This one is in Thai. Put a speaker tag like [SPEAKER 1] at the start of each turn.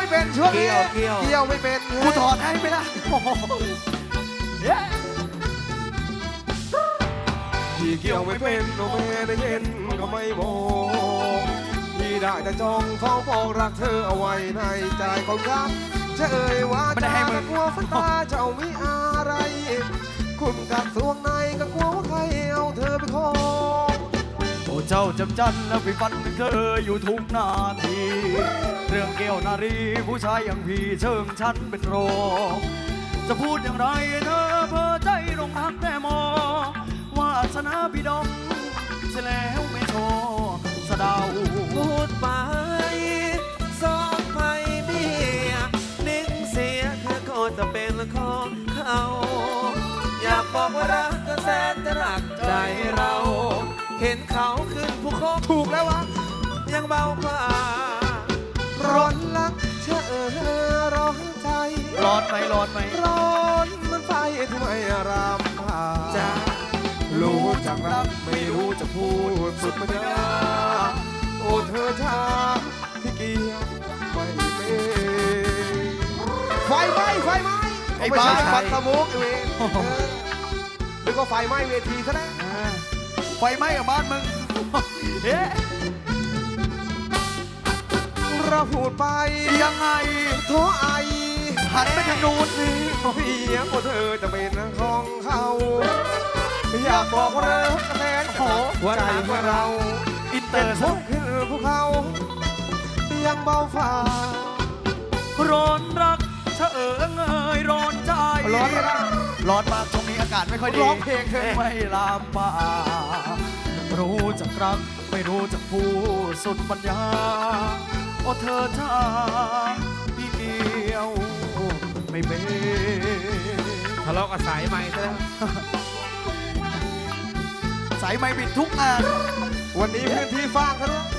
[SPEAKER 1] ไม่เป็นช่วงนี้
[SPEAKER 2] เกี่ยว
[SPEAKER 1] ไม่เป็น
[SPEAKER 2] กูถอดให้ไหมล่ะโอ้โห
[SPEAKER 1] พี่เกี่ยวไม่เป็นโนเมได้เย็นก็ไม่บอกพี่ได้แต่จ้องเฝ้าบอกรักเธอเอาไว้ในใจของรักจะเอ่ยว่าจะกลัวฝันตาเจ้ามีอะไร คุณกับสวงในก็กลัวว่าใครเอาเธอไปครอง
[SPEAKER 2] โอ้เจ้าจำจันแล้วไปฟันเธออยู่ทุกนาทีเรื่องเกี่ยวนารีผู้ชายอย่างพี่เชิงฉันเป็นโรคจะพูดอย่างไรเธอเพ้อใจลงทักแต่มองวาสนาพี่ดองเสียแล้วไม่โชว์สะเดา
[SPEAKER 3] พูดไปสองไปเบี้ยหนึ่งเสียเธอก็จะเป็นของเขา อยากบอกว่ารักก็แสนจะรักใจเรา เห็นเขาขึ้นภูเขา
[SPEAKER 1] ถูกแล้ววะ
[SPEAKER 3] ยังเบากว่า
[SPEAKER 1] ร้อนรักเชื่อร้อนใจ
[SPEAKER 2] ร้อนไหมร้อนไหม
[SPEAKER 1] ร้อนมันไฟที่ไม่รำพา
[SPEAKER 3] จะ
[SPEAKER 1] รู้จักรักไม่รู้จะพูดสุดปัญญาโอ้เธอช้าที่เกี่ยวไม่เป็นไฟไหม้ไฟไหม้
[SPEAKER 2] ไอ้
[SPEAKER 1] ไม่
[SPEAKER 2] บ้า
[SPEAKER 1] ใช่ฟันสมุกไอ้เวรหรือก็ไฟไหม้เวทีซะแล้ว
[SPEAKER 2] ไฟไหม้กับบ้านมึงเอ๊ะ
[SPEAKER 1] เราพูดไป
[SPEAKER 2] ยังไง
[SPEAKER 1] โทไอ
[SPEAKER 2] หันไปทางนู้นสิ
[SPEAKER 1] เพียงว่าเธอจะเป็นของเขาอยากบอกว่าเลิกแทนขอใจว่าเรา
[SPEAKER 2] อินเต
[SPEAKER 1] เป็
[SPEAKER 2] อน ร์
[SPEAKER 1] พวกคือพวกเขายังเบาฝ่า
[SPEAKER 2] ร้อนรักเฉเอิงเอยร้อนใจ
[SPEAKER 1] ร้อนไหมล่ะ
[SPEAKER 2] ร้อนมากช่วงนี้อากาศไม่ค่อยดี
[SPEAKER 1] ร้องเพลงเถอะ
[SPEAKER 2] ไม่ลามป่ารู้จักรักไม่รู้จักพูดสุดปัญญาโอ้เธอท่าพี่เดียวไม่เป็น
[SPEAKER 3] ทะเลาะกับสายไหมซะแล้ว
[SPEAKER 2] สายไม่บิดทุกงาน
[SPEAKER 1] วันนี้พื้นที่ฟ้างเขาด้วย